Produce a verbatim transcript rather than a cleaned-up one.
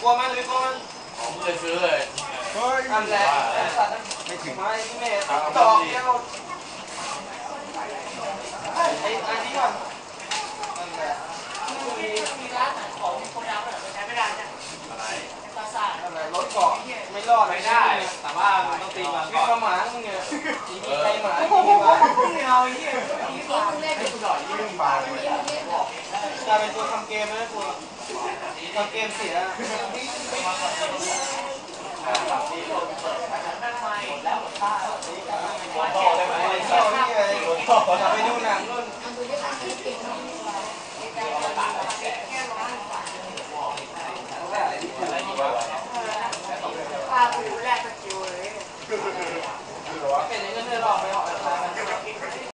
กลัวมันหรือกลัวมันผมเคยซื้อเลยทำแหละสัตว์ไม่ถึงไม่ไม่จอกเดียวไอ้อันนี้ก่อนมีร้านขายของมีคนดาวน์แต่ใช้ไม่ได้เนี่ยอะไรตาซ่ารถเกาะไม่รอดไม่ได้แต่ว่ามันต้องตีมันก่อนข้าหมามึงเนี่ยมีใครหมาโอ้โหไม่เอาไอ้เหี้ยมีฝาเล่นหน่อยยิ่งปลาเลยกลายเป็นตัวทำเกมแล้วตัวทำเกมเสียแล้วป้าต่อได้ไหมเที่ยวนี่เลยจะไปดูหนังนู่นพาไปดูแลไป